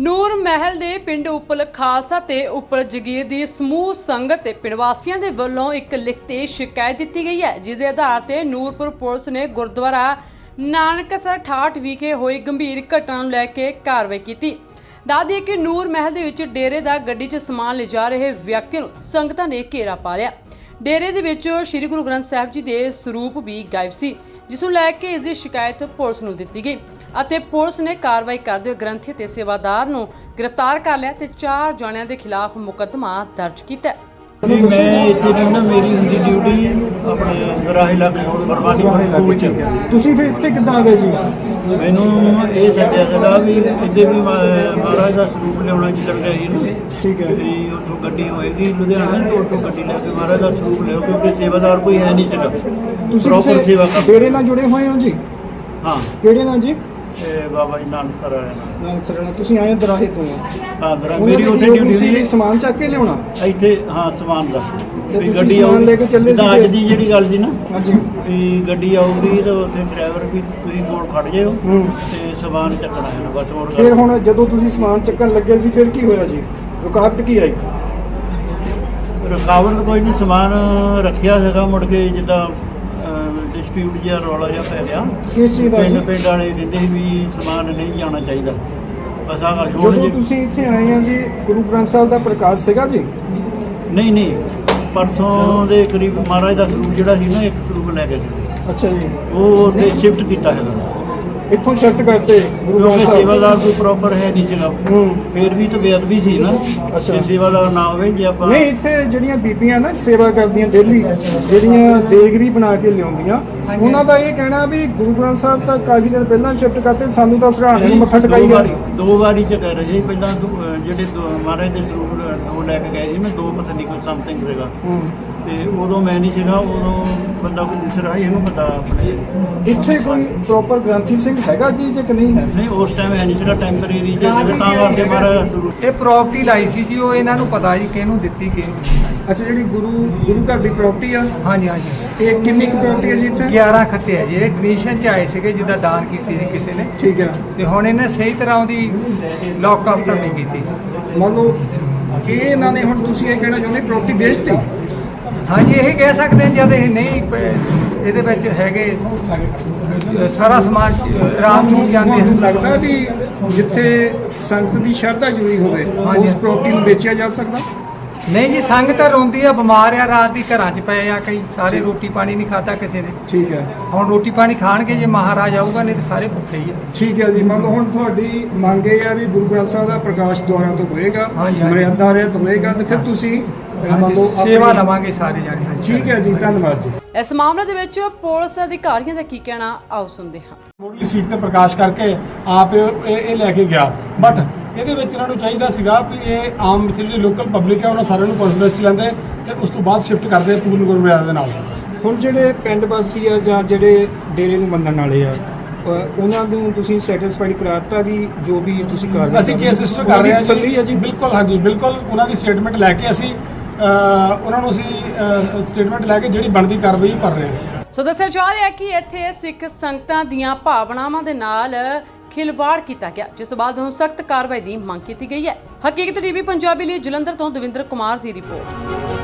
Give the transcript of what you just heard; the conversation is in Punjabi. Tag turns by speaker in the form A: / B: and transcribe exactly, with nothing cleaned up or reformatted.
A: ਨੂਰ महल ਦੇ ਪਿੰਡ ਉਪਲ ਖਾਲਸਾ ਤੇ ਉਪਲ ਜਗੀਰ ਦੀ ਸਮੂਹ ਸੰਗਤ ਤੇ ਪਿੰਡ ਵਾਸੀਆਂ ਦੇ ਵੱਲੋਂ ਇੱਕ ਲਿਖਤੀ ਸ਼ਿਕਾਇਤ ਦਿੱਤੀ ਗਈ ਹੈ, ਜਿਸ ਦੇ ਆਧਾਰ ਤੇ ਨੂਰਪੁਰ ਪੁਲਿਸ ਨੇ ਗੁਰਦੁਆਰਾ ਨਾਨਕਸਰ ਅਠਾਹਠ ਵਿਖੇ ਹੋਈ ਗੰਭੀਰ ਘਟਨਾ ਨੂੰ ਲੈ ਕੇ ਕਾਰਵਾਈ ਕੀਤੀ। ਦੱਸ ਦਈਏ ਕਿ ਨੂਰ महल ਦੇ ਵਿੱਚ ਡੇਰੇ ਦਾ ਗੱਡੀ 'ਚ ਸਮਾਨ ਲਿਜਾ ਰਹੇ ਵਿਅਕਤੀਆਂ ਨੂੰ ਸੰਗਤਾਂ ਨੇ ਘੇਰਾ ਪਾ ਲਿਆ। ਡੇਰੇ ਦੇ ਵਿੱਚ ਸ੍ਰੀ ਗੁਰੂ ਗ੍ਰੰਥ ਸਾਹਿਬ ਜੀ ਦੇ ਸਰੂਪ ਵੀ ਗਾਇਬ ਸੀ, ਜਿਸ ਨੂੰ ਲੈ ਕੇ ਇਸ ਦੀ ਸ਼ਿਕਾਇਤ ਪੁਲਿਸ ਨੂੰ ਦਿੱਤੀ ਗਈ ਅਤੇ ਪੁਲਿਸ ਨੇ ਕਾਰਵਾਈ ਕਰਦੇ ਹੋਏ ਗ੍ਰੰਥੀ ਤੇ ਸੇਵਾਦਾਰ ਨੂੰ ਗ੍ਰਿਫਤਾਰ ਕਰ ਲਿਆ ਤੇ ਚਾਰ ਜਣਿਆਂ ਦੇ ਖਿਲਾਫ ਮੁਕੱਦਮਾ ਦਰਜ ਕੀਤਾ।
B: जी मैं इतने ना मेरी हुंदी ड्यूटी अपने राहे लागे बरबादी स्कूल च
C: ਤੁਸੀਂ ਫਿਰ ਇੱਥੇ ਕਿੱਦਾਂ ਆ ਗਏ ਜੀ?
B: ਮੈਨੂੰ ਇਹ ਸੱਦਿਆ ਸੀਗਾ ਵੀ ਇੱਥੇ ਵੀ ਮਹਾਰਾਜ ਦਾ ਸਰੂਪ ਲਿਆਉਣਾ ਚੱਲ ਗਿਆ ਸੀ ਨਾ।
C: ਠੀਕ ਹੈ।
B: ਵੀ ਉੱਥੋਂ ਗੱਡੀ ਹੋਏਗੀ ਲੁਧਿਆਣਾ ਤੋਂ, ਉੱਥੋਂ ਗੱਡੀ ਲੈ ਕੇ ਮਹਾਰਾਜ ਦਾ ਸਰੂਪ ਲਿਆਓ, ਕਿਉਂਕਿ ਸੇਵਾਦਾਰ ਕੋਈ ਹੈ ਨਹੀਂ ਸੀਗਾ।
C: ਤੁਸੀਂ
B: ਪ੍ਰੋਪਰ
C: ਕਿਸੇ
B: ਸੇਵਾ ਕਰ
C: ਡੇਰੇ ਨਾਲ ਜੁੜੇ ਹੋਏ ਹੋ ਜੀ?
B: ਹਾਂ,
C: ਕਿਹੜੇ ਨਾਲ ਜੀ?
B: ਇਹ ਬਾਬਾ ਜੀ ਨਾਨਕ ਸਰ ਆਇਆ ਨਾ।
C: ਨਾਲ ਸਰਣਾ ਤੁਸੀਂ ਆਏ ਦਰਾਹੇ ਤੋਂ?
B: ਹਾਂ, ਮੇਰਾ
C: ਉਹਨਾਂ
B: ਮੇਰੀ
C: ਦੀ
B: ਉੱਥੇ
C: ਡਿਊਟੀ
B: ਡਿਊਟੀ
C: ਸੀ
B: ਸੀ
C: ਸਮਾਨ ਚੱਕ ਕੇ ਲਿਆਉਣਾ
B: ਇੱਥੇ। ਹਾਂ, ਸਮਾਨ ਦਾ
C: ਤੇ
B: ਵੀ
C: ਤੁਸੀਂ
B: ਗੱਡੀ
C: ਸਮਾਨ
B: ਆਊ-
C: ਲੈ ਕੇ ਚੱਲੇ
B: ਜਿੱਦਾਂ
C: ਸੀਗੇ?
B: ਅੱਜ ਦੀ ਜਿਹੜੀ ਗੱਲ ਸੀ ਨਾ
C: ਹਾਂਜੀ।
B: ਵੀ ਗੱਡੀ ਆਊਗੀ ਤਾਂ ਉੱਥੇ ਡਰਾਈਵਰ ਵੀ ਤੁਸੀਂ ਕੋਲ ਖੜ ਜਾਇਓ
C: ਹੂੰ।
B: ਤੇ ਸਮਾਨ ਚੱਕਣਾ ਹੈ ਬਸ। ਹੋਰ
C: ਫਿਰ
B: ਗੱਲ
C: ਹੁਣ ਜਦੋਂ ਤੁਸੀਂ ਸਮਾਨ ਚੱਕਣ ਲੱਗੇ ਸੀ ਫਿਰ ਕੀ ਹੋਇਆ ਜੀ? ਰੁਕਾਵਟ ਕੀ ਆਈ?
B: ਰੁਕਾਵਟ ਕੋਈ ਨਹੀਂ, ਸਮਾਨ ਰੱਖਿਆ ਸੀਗਾ। ਮੁੜ ਕੇ ਜਿੱਦਾਂ ਡਿਸਪਿਊਟ ਜਿਹਾ ਰੌਲਾ ਜਿਹਾ ਪੈ ਗਿਆ।
C: ਕਿਸ ਚੀਜ਼ ਦਾ
B: ਪਿੰਡ
C: ਜੀ?
B: ਪਿੰਡ ਵਾਲੇ ਕਹਿੰਦੇ ਸੀ ਵੀ ਸਮਾਨ ਨਹੀਂ ਜਾਣਾ ਚਾਹੀਦਾ। ਬਸ ਆਹ ਗੱਲ
C: ਜਦੋਂ
B: ਹੁਣ
C: ਤੁਸੀਂ ਇੱਥੇ ਆਏ ਆ ਜੀ, ਗੁਰੂ ਗ੍ਰੰਥ ਸਾਹਿਬ ਦਾ ਪ੍ਰਕਾਸ਼ ਸੀਗਾ ਜੀ?
B: ਨਹੀਂ ਨਹੀਂ, ਪਰਸੋਂ ਦੇ ਕਰੀਬ ਮਹਾਰਾਜ ਦਾ ਸਰੂਪ ਜਿਹੜਾ ਸੀ ਨਾ, ਇੱਕ ਸਰੂਪ ਲੈ ਕੇ ਗਏ।
C: ਅੱਛਾ ਜੀ।
B: ਉਹ ਉੱਥੇ ਸ਼ਿਫਟ ਕੀਤਾ ਹੈਗਾ
C: ਇੱਥੋਂ ਸ਼ਿਫਟ ਕਰਤੇ ਗੁਰੂ ਗ੍ਰੰਥ
B: ਕਿਉਂਕਿ
C: ਸਾਹਿਬ?
B: ਸੇਵਾਦਾਰ ਕੋਈ ਪ੍ਰੋਪਰ ਹੈ ਨਹੀਂ ਸੀਗਾ।
C: ਹੂੰ।
B: ਫੇਰ ਵੀ ਤਾਂ ਬੇਅਦਬੀ ਸੀ ਨਾ।
C: ਅੱਛਾ।
B: ਜੇ ਸੇਵਾਦਾਰ ਨਾ ਹੋਵੇ, ਜੇ ਆਪਾਂ
C: ਨਹੀਂ, ਇੱਥੇ ਜਿਹੜੀਆਂ ਬੀਬੀਆਂ ਨਾ ਸੇਵਾ ਕਰਦੀਆਂ ਡੇਲੀ, ਜਿਹੜੀਆਂ ਦੇਗਰੀ ਬਣਾ ਕੇ ਲਿਆਉਂਦੀਆਂ, ਉਹਨਾਂ ਦਾ ਇਹ ਕਹਿਣਾ ਵੀ ਗੁਰੂ ਗ੍ਰੰਥ ਸਾਹਿਬ ਤਾਂ ਕਾਫੀ ਦਿਨ ਪਹਿਲਾਂ ਸ਼ਿਫਟ ਕਰਤੇ, ਸਾਨੂੰ ਤਾਂ ਸਰਾਣੇ ਨੂੰ ਮੱਥਾ ਟਿਕਾਈ
B: ਦੋ
C: ਗਿਆ।
B: ਵਾਰੀ ਦੋ ਵਾਰੀ ਚ ਕਹਿ ਰਹੇ ਸੀ। ਪਹਿਲਾਂ ਦੋ, ਅਹ ਜਿਹੜੇ ਦੋ ਮਹਾਰਾਜ ਦੇ ਸਰੂਪ ਦੋ ਲੈ ਕੇ ਗਏ ਸੀ ਮੈਂ, ਦੋ ਪਤਾ ਨਹੀਂ ਕੋਈ ਸਮਥਿੰਗ ਸੀਗਾ।
C: ਹੂੰ।
B: ਤੇ ਉਦੋਂ ਮੈਂ ਨਹੀਂ ਸੀਗਾ, ਉਦੋਂ ਬੰਦਾ ਕੋਈ ਦਿਸ ਰਿਹਾ ਸੀ, ਇਹਨੂੰ ਪਤਾ ਆਪਣੇ।
C: ਇੱਥੇ ਕੋਈ ਪ੍ਰੋਪਰ ਗ੍ਰੰਥੀ ਸਿੰਘ ਹੈਗਾ ਜੀ ਜੇ ਕਿ ਨਹੀਂ ਹੈ?
B: ਨਹੀਂ, ਉਸ ਟਾਈਮ ਹੈ ਨਹੀਂ ਸੀਗਾ, ਟੈਂਪਰੇਰੀ ਜੇ ਸੀਗਾ, ਤਾਂ ਕਰਕੇ ਮਹਾਰਾਜ ਦਾ ਸਰੂਪ।
D: ਇਹ ਪ੍ਰਾਪਰਟੀ ਲਾਈ ਸੀ ਜੀ, ਉਹ ਇਹਨਾਂ ਨੂੰ ਪਤਾ ਜੀ ਕਿਹਨੂੰ ਦਿੱਤੀ ਕਿਹਨੂੰ ਨਹੀਂ।
C: ਅੱਛਾ, ਜਿਹੜੀ ਗੁਰੂ ਗੁਰੂ ਘਰ ਦੀ ਪ੍ਰਾਪਰਟੀ ਆ,
D: ਹਾਂਜੀ ਹਾਂਜੀ,
C: ਇਹ ਕਿੰਨੀ ਕੁ ਪ੍ਰਾਪਰਟੀ ਹੈ ਜੀ ਇੱਥੇ?
D: ਗਿਆਰਾਂ ਖੱਤੇ ਆ ਜੀ। ਇਹ ਡੋਨੇਸ਼ਨ ਚ ਆਏ ਸੀਗੇ, ਜਿੱਦਾਂ ਦਾਨ ਕੀਤੀ ਸੀ ਕਿਸੇ ਨੇ,
C: ਠੀਕ ਹੈ।
D: ਤੇ ਹੁਣ ਇਹਨੇ ਸਹੀ ਤਰ੍ਹਾਂ ਉਹਦੀ ਲੌਕ ਅਪ ਨਹੀਂ ਕੀਤੀ।
C: ਮੰਨ ਲਓ ਕਿ ਇਹਨਾਂ ਨੇ, ਹੁਣ ਤੁਸੀਂ ਇਹ ਕਹਿਣਾ ਚਾਹੁੰਦੇ ਪ੍ਰਾਪਰਟੀ ਵੇਚਤੀ?
D: ਹਾਂਜੀ, ਇਹ ਕਹਿ ਸਕਦੇ ਹਾਂ ਜਦ ਇਹ ਨਹੀਂ ਪ- ਇਹਦੇ ਵਿੱਚ ਹੈਗੇ ਅ, ਸਾਰਾ ਸਮਾਨ ਰਾਤ ਨੂੰ ਜਾਂਦੇ
C: ਤੁਹਾਨੂੰ
D: ਹਨ।
C: ਲੱਗਦਾ ਵੀ ਜਿੱਥੇ ਸੰਗਤ ਦੀ ਸ਼ਰਧਾ ਜੁੜੀ ਹੋਵੇ
D: ਹਾਂਜੀ।
C: ਉਸ ਪ੍ਰਾਪਰਟੀ ਨੂੰ ਵੇਚਿਆ ਜਾ ਸਕਦਾ?
D: ਨਹੀਂ ਜੀ, ਸੰਗਤ ਰੋਂਦੀ ਆ, ਬਿਮਾਰ ਆ, ਰਾਤ ਦੀ ਘਰਾਂ 'ਚ ਪਏ ਆ, ਕਈ ਸਾਰੇ ਰੋਟੀ ਪਾਣੀ ਨਹੀਂ ਖਾਧਾ ਕਿਸੇ ਨੇ।
C: ਠੀਕ ਹੈ।
D: ਹੁਣ ਰੋਟੀ ਪਾਣੀ ਖਾਣਗੇ ਜੇ ਮਹਾਰਾਜ ਆਊਗਾ, ਨਹੀਂ ਤੇ ਸਾਰੇ ਭੁੱਖੇ ਹੀ ਆ।
C: ਠੀਕ ਹੈ ਜੀ। ਮੰਨ ਲਓ ਹੁਣ ਤੁਹਾਡੀ ਮੰਗ ਇਹ ਆ ਵੀ ਗੁਰੂ ਗ੍ਰੰਥ ਸਾਹਿਬ ਦਾ ਪ੍ਰਕਾਸ਼ ਦੁਆਰਾ ਤੋਂ ਹੋਏਗਾ,
D: ਹਾਂਜੀ, ਹਾਂਜੀ।
C: ਮਰਿਆਦਾ ਰਹਿਤ ਹੋਏਗਾ, ਤੇ ਫਿਰ ਤੁਸੀਂ ਅਹ, ਮੰਨ ਲਓ
D: ਹਾਂਜੀ, ਸੇਵਾ
C: ਆਪਣੀ-
D: ਲਵਾਂਗੇ ਸਾਰੇ ਜਾਣੇ। ਹਾਂਜੀ।
C: ਠੀਕ ਹੈ ਜੀ, ਧੰਨਵਾਦ ਜੀ।
A: ਇਸ ਮਾਮਲੇ ਦੇ ਵਿੱਚ ਪੁਲਿਸ ਅਧਿਕਾਰੀਆਂ ਦਾ ਕੀ ਕਹਿਣਾ, ਆਓ ਸੁਣਦੇ ਹਾਂ।
E: ਮੁੱਢਲੀ ਸੀਟ ਤੇ ਪ੍ਰਕਾਸ਼ ਕਰਕੇ ਆਪ ਇਹ ਇਹ ਇਹ ਲੈ ਕੇ ਗਿਆ। ਬਟ ਇਹਦੇ ਵਿੱਚ ਇਹਨਾਂ ਨੂੰ ਚਾਹੀਦਾ ਸੀਗਾ ਵੀ ਇਹ ਆਮ ਇੱਥੇ ਜਿਹੜੀ ਲੋਕਲ ਪਬਲਿਕ ਹੈ ਉਹਨਾਂ ਸਾਰਿਆਂ ਨੂੰ ਕਾਨਫਰੰਸ 'ਚ ਲੈਂਦੇ ਤੇ ਉਸ ਤੋਂ ਬਾਅਦ ਸ਼ਿਫਟ ਕਰਦੇ ਪੂਰਨ ਗੁਰੂ ਮਰਿਆਦਾ ਦੇ ਨਾਲ।
C: ਹੁਣ ਜਿਹੜੇ ਪਿੰਡ ਵਾਸੀ ਆ ਜਾਂ ਜਿਹੜੇ ਡੇਰੇ ਨੂੰ ਮੰਨਣ ਵਾਲੇ ਆ, ਅਹ, ਉਹਨਾਂ ਨੂੰ ਤੁਸੀਂ ਸੈਟੀਸਫਾਈਡ ਕਰਾਤਾ ਵੀ ਜੋ ਵੀ ਤੁਸੀਂ ਕਰ ਰਹੇ
E: ਅਸੀਂ ਕੇਸ ਰਜਿਸਟਰ ਕਰ ਰਹੇ ਹਾਂ
C: ਤਸੱਲੀ ਹੈ ਜੀ?
E: ਬਿਲਕੁਲ, ਹਾਂਜੀ ਬਿਲਕੁਲ। ਉਹਨਾਂ ਦੀ ਸਟੇਟਮੈਂਟ ਲੈ ਕੇ ਅਸੀਂ ਅਹ, ਉਹਨਾਂ ਨੂੰ ਅਸੀਂ ਸਟੇਟਮੈਂਟ ਲੈ ਕੇ ਜਿਹੜੀ ਬਣਦੀ ਕਾਰਵਾਈ ਕਰ ਰਹੇ ਹਾਂ।
A: ਸੋ ਦੱਸਿਆ ਜਾ ਰਿਹਾ ਹੈ ਕਿ ਇੱਥੇ ਸਿੱਖ ਸੰਗਤਾਂ ਦੀਆਂ ਭਾਵਨਾਵਾਂ ਦੇ ਨਾਲ ਖਿਲਵਾੜ ਕੀਤਾ ਗਿਆ, ਜਿਸ ਤੋਂ ਬਾਅਦ ਹੁਣ ਸਖਤ ਕਾਰਵਾਈ ਦੀ ਮੰਗ ਕੀਤੀ ਗਈ ਹੈ। ਹਕੀਕਤ ਟੀਵੀ ਪੰਜਾਬੀ ਲਈ ਜਲੰਧਰ ਤੋਂ ਦਵਿੰਦਰ ਕੁਮਾਰ ਦੀ ਰਿਪੋਰਟ।